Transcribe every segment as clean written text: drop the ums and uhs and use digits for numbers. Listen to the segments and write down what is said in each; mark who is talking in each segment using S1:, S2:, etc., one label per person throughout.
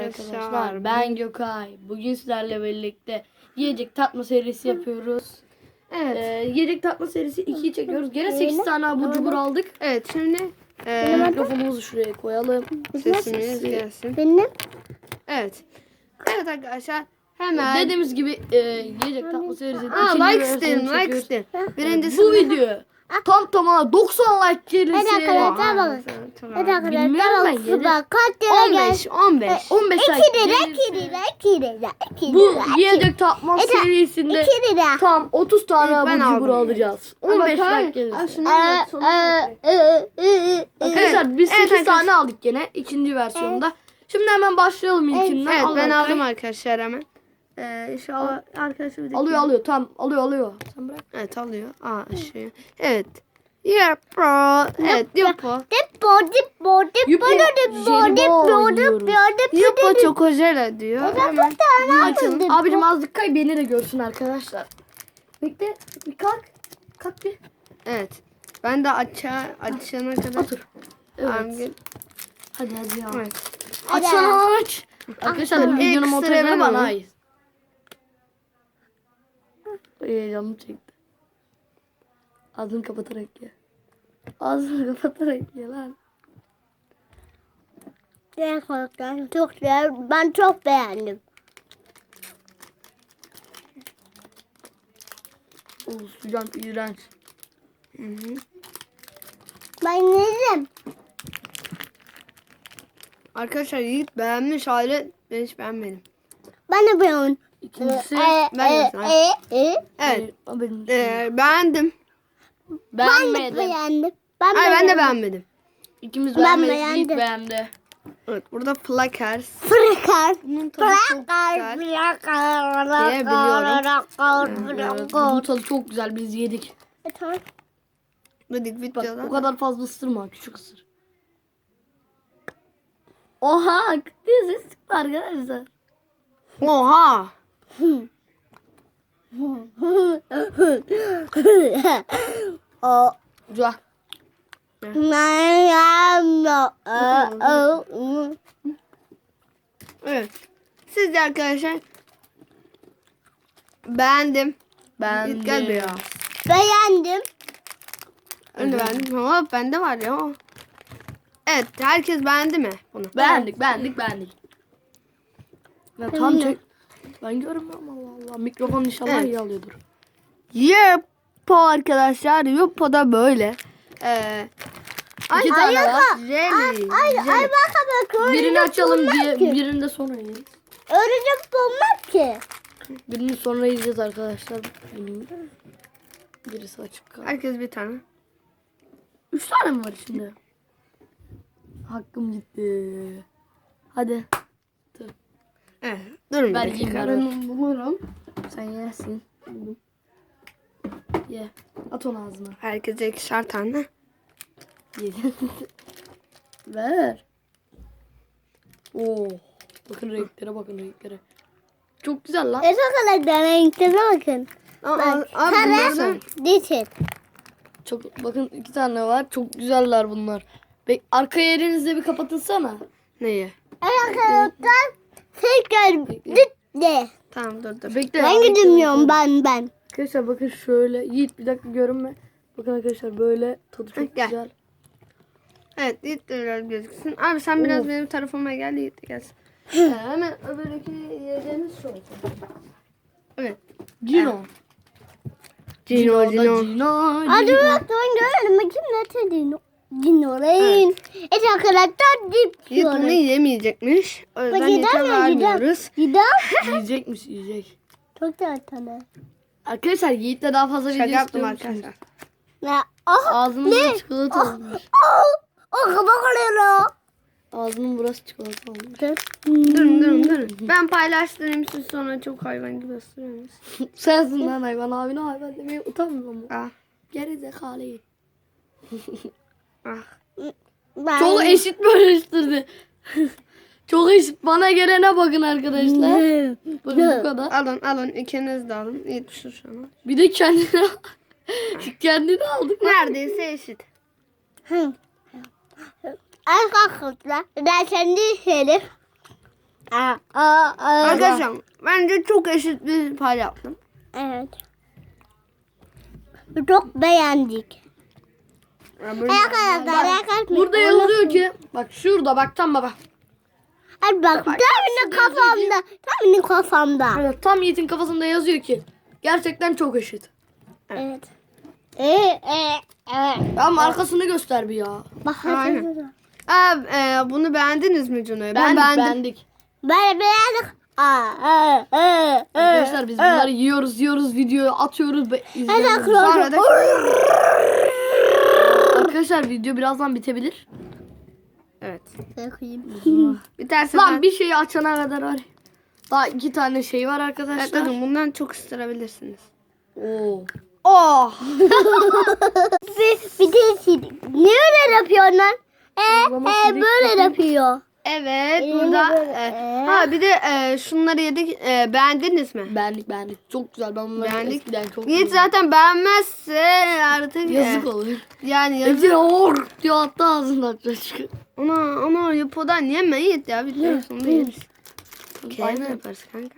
S1: arkadaşlar. Ben Gökay. Bugün sizlerle birlikte yiyecek tatma serisi yapıyoruz.
S2: Evet.
S1: Yiyecek tatma serisi 2'yi çekiyoruz. Gene 8 tane abur cubur aldık.
S2: Evet şimdi
S1: Mikrofonumuzu şuraya koyalım.
S2: sesimiz gelsin.
S3: Benim.
S2: Evet. Evet arkadaşlar hemen.
S1: Dediğimiz gibi yiyecek tatma serisinin
S2: Aa,
S1: ikinci
S2: like
S1: versiyonunu
S2: istedim, like
S1: çekiyoruz.
S2: istedim. Birincisi
S1: Bu video tam tamına 90 like gelirse.
S3: Hadi arkadaşlar bakın. Hadi
S1: Bilmiyorum
S3: arkadaşlar
S1: ben,
S3: bakın. Bak kaç lira geldi?
S2: 15.
S1: 15
S3: 2
S1: like
S3: lira,
S1: gelirse.
S3: 2 lira, 2 lira, 2
S1: Bu
S3: lira.
S1: yiyecek tatma serisinde
S3: 2 lira.
S1: tam 30 tane
S2: İlk
S1: abur
S2: ben
S1: cubur
S2: aldım.
S1: alacağız. 15 like gelirse. Arkadaşlar biz 8
S2: Evet,
S1: tane aldık gene ikinci versiyonda. Şimdi hemen başlayalım ilkinden.
S2: Evet
S1: Al
S2: ben
S1: Berkay.
S2: aldım arkadaşlar hemen. İnşallah arkadaşlar
S1: Alıyor tamam alıyor. Sen bırak.
S2: Evet alıyor. Evet. Yupo. Evet Yupo.
S3: Dipo, dipo, dipo,
S1: Jelibon yiyoruz.
S2: Yupo Chocojela diyor. Hemen
S1: Açalım. Abicim azıcık kay beni de görsün arkadaşlar. Bekle bir kalk. Kalk bir.
S2: Evet. Ben de açana kadar.
S1: Otur. Evet. Hadi ya.
S2: Evet.
S1: Aç sana aç. Arkadaşlar videonun
S2: Ekstra
S1: montajını
S2: ben
S1: bana
S2: ama.
S1: ait. Canım çekti. Ağzını kapatarak ye. Ağzını kapatarak ye lan.
S3: Çok güzel. Ben çok beğendim.
S1: Sıcak iğrenç.
S3: Ben yedim.
S2: Arkadaşlar Yiğit beğenmiş hali ben hiç beğenmedim.
S3: Ben de beğendim.
S1: İkincisi
S2: ben de Evet.
S1: o benim.
S2: Beğendim.
S3: Ben de
S1: Beğenmedim.
S3: beğendim.
S2: Ben de beğenmedim.
S1: İkimiz
S3: Ben
S1: beğenmedik.
S3: beğendim.
S1: Yiğit beğendi.
S2: Evet burada Flakers.
S3: Fırkar.
S2: Bunun tadı çok güzel.
S1: Evet, bunun tadı çok güzel. Biz yedik.
S3: Tamam.
S2: Dedik
S1: Bak
S2: videoda.
S1: o kadar fazla ısırma. Küçük ısır. Oha. Diye ses çıktı arkadaşlar.
S2: Oha.
S3: O
S1: Güzel.
S2: Evet. Siz de arkadaşlar beğendim. Yiğit gel be ya.
S3: beğendim.
S2: Ben de beğendim. Ama bende var ya. Evet. Herkes beğendi mi bunu?
S1: Beğendik. Ya tam çek. Ben görmüyorum Allah Allah. Mikrofon inşallah
S2: Evet.
S1: iyi alıyordur.
S2: Yupo arkadaşlar. Yupo da böyle.
S1: İki tane var.
S2: Jelly.
S3: Ay bak
S1: Birini açalım diye birini de sonra yiyeceğiz.
S3: örümcek bulmak ki.
S1: Birini sonra yiyeceğiz arkadaşlar. Birisi açık kaldı.
S2: Herkes bir tane.
S1: 3 tane mi var içinde? Hakkım gitti. Hadi.
S2: Evet. Durun bir
S1: Ben
S2: dakika.
S1: yiyeyim. Bulurum. Sen yersin. Ye. At onu ağzına.
S2: Herkese ikişer tane.
S1: Ye. Ver. Oo. Bakın renklere. Çok güzel lan.
S3: Arkadaşlar renklere bakın. Bak,
S2: bunlardan-
S3: sarı, dişit.
S1: Çok bakın 2 tane var. Çok güzeller bunlar. Arka yerinizde bir kapatınsana.
S2: Neyi?
S3: Arkadaşlar tekrar de.
S2: Tamam dur.
S1: Bekle.
S3: Ben gidemiyorum ben.
S1: Arkadaşlar bakın şöyle. Yiğit bir dakika görünme. Bakın arkadaşlar böyle tadı çok
S2: Gel.
S1: güzel.
S2: Evet Yiğit de biraz gözüksün. Abi sen biraz
S1: Oo.
S2: benim tarafıma gel Yiğit de gelsin.
S1: Hemen öbürki yiyeceğimiz şu olacak.
S2: Evet.
S1: Cino.
S2: Cino.
S3: Hadi bak ben görelim. Bakayım ne Dino. Dino'ların. Evet arkadaşlar dip
S2: Yiğit bunu yiyemeyecekmiş. O yüzden Yiğit'e vermiyoruz.
S1: Yiyecekmiş yiyecek.
S3: Çok da tane.
S1: Arkadaşlar Yiğit'le daha fazla
S2: Şaka
S1: video
S2: yaptım
S1: istiyormuş.
S2: arkadaşlar.
S3: Ya ah
S1: Ağzının çikolata olmuş.
S3: o kabak oluyor.
S1: Ağzının burası çikolata olmuş.
S2: Durun. Ben paylaştırayım siz sonra çok hayvan gibi ısırıyorsunuz.
S1: Sensin lan hayvan abine hayvan demeye utanmıyor mu?
S2: Ah.
S1: Geri zekalı.
S2: Ah.
S1: Çok eşit bölüştürdü. Çok eşit. Bana gelene bakın arkadaşlar. Bakın bu kadar.
S2: Alın ikiniz de alın. Yiğit şu şunu.
S1: Bir de kendini aldık.
S2: Neredeyse eşit.
S3: Arkadaşlar ben kendi şeyim.
S2: Arkadaşlar bence çok eşit bir pay yaptım.
S3: Evet. Çok beğendik. Arkadaşlar
S1: Burada yazıyor ki bak şurada bak tam bak.
S3: Hadi bak tam benim kafamda. Tam benim kafamda.
S1: Evet, tam Yiğit'in kafasında yazıyor ki gerçekten çok eşit.
S3: Evet.
S1: Ama arkasını göster bir ya.
S3: Bak
S2: Aynen. Bunu beğendiniz mi Cuna'yı? Ben
S1: Beğendik,
S2: beğendim.
S1: beğendik.
S3: Böyle beğendik.
S1: Arkadaşlar biz bunları yiyoruz videoyu atıyoruz ve izliyoruz.
S2: Sonra da
S1: Arkadaşlar video birazdan bitebilir.
S2: evet.
S3: Bakayım.
S2: Biterse
S1: Lan bir şeyi açana kadar var. Daha 2 tane şey var
S2: evet,
S1: arkadaşlar.
S2: bakın bundan çok ısırabilirsiniz.
S1: Oo.
S2: Oh!
S3: Bir de ne öyle yapıyorsun lan?
S1: Uygulama silik
S3: Böyle
S1: bakın.
S3: yapıyor.
S2: Evet
S3: Elini
S2: burada
S3: böyle-
S2: ha bir de şunları yedik. Beğendiniz mi?
S1: Beğendik. Çok güzel. Ben bunları
S2: Beğendik.
S1: eskiden çok
S2: Yiğit zaten beğenmezse artık
S1: yazık olur.
S2: yani yazık.
S1: Hepsini hor diyor attı ağzından çocuk.
S2: Ona yapıdan yeme Yiğit ya. Bir sonunda yeriz. Kendine yaparız kanka.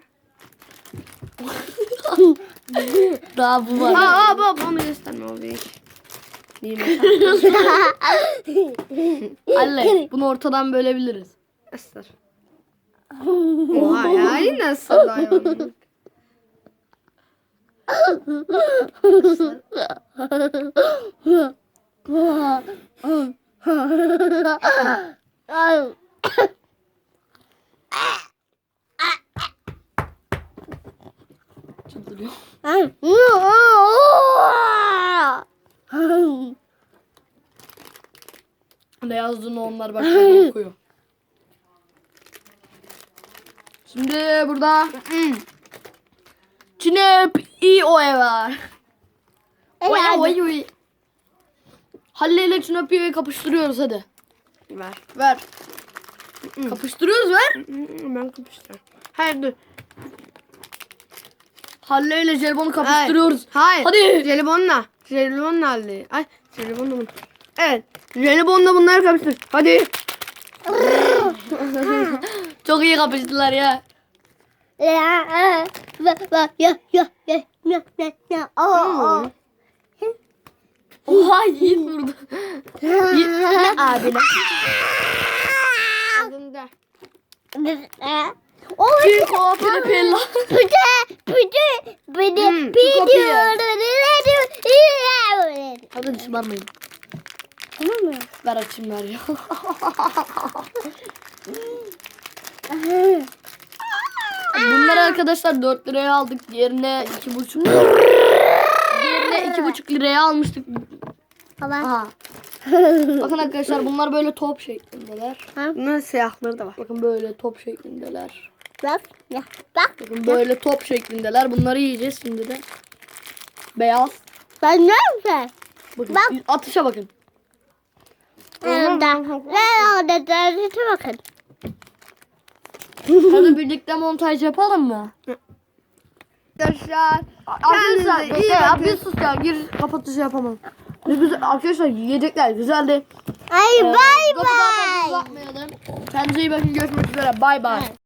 S1: Daha bu var.
S2: Baba onu gösterme o bir. Nimet.
S1: Halle bunu ortadan bölebiliriz.
S2: Isır. Oha ya yine ısırdı hayvanı.
S1: Çıldırıyor. Ne yazdığını onlar bak okuyor. Şimdi burada Çinep İO'ya var. Oy. Halle ile Çinep'i kapıştırıyoruz hadi.
S2: Ver.
S1: Ver. Kapıştırıyoruz ver.
S2: Ben kapıştırıyorum. Hayır dur.
S1: Halle ile Jelibon'u kapıştırıyoruz.
S2: Hayır.
S1: Hadi.
S2: Jelibonla. Jelibonla halde. Ay jelibonla bunu. Evet. Jelibonla bunları kapıştır. Hadi.
S1: Çok iyi kapıştılar ya. Oha Yiğit vurdu. Yiğit abine.
S2: Adında.
S1: Chico Pella. Hadi şımarmayın. Ver açayım ver ya. Bunları arkadaşlar 4 liraya aldık. Diğerine 2,5 Diğerine 2,5 liraya almıştık. Aha. Bakın arkadaşlar bunlar böyle top şeklindeler.
S2: Bunların siyahları da var.
S1: Bakın böyle top şeklindeler.
S3: Bak.
S1: Bakın böyle top şeklindeler. Bunları yiyeceğiz şimdi de. Beyaz.
S3: Ben ne yapayım?
S1: Bakın
S3: Bak.
S1: atışa bakın.
S3: Bakın.
S1: Hadi birlikte montaj yapalım mı?
S2: Arkadaşlar.
S1: Arkadaşlar
S2: Kendinize iyi
S1: ya
S2: bakın.
S1: bir sus ya gir kapatışı yapamam. Ne güzel arkadaşlar yiyecekler güzeldi.
S3: Ay bay
S1: Lafı daha fazla
S3: bay.
S1: uzatmayalım. Kendinize iyi bakın görüşmek üzere bay bay.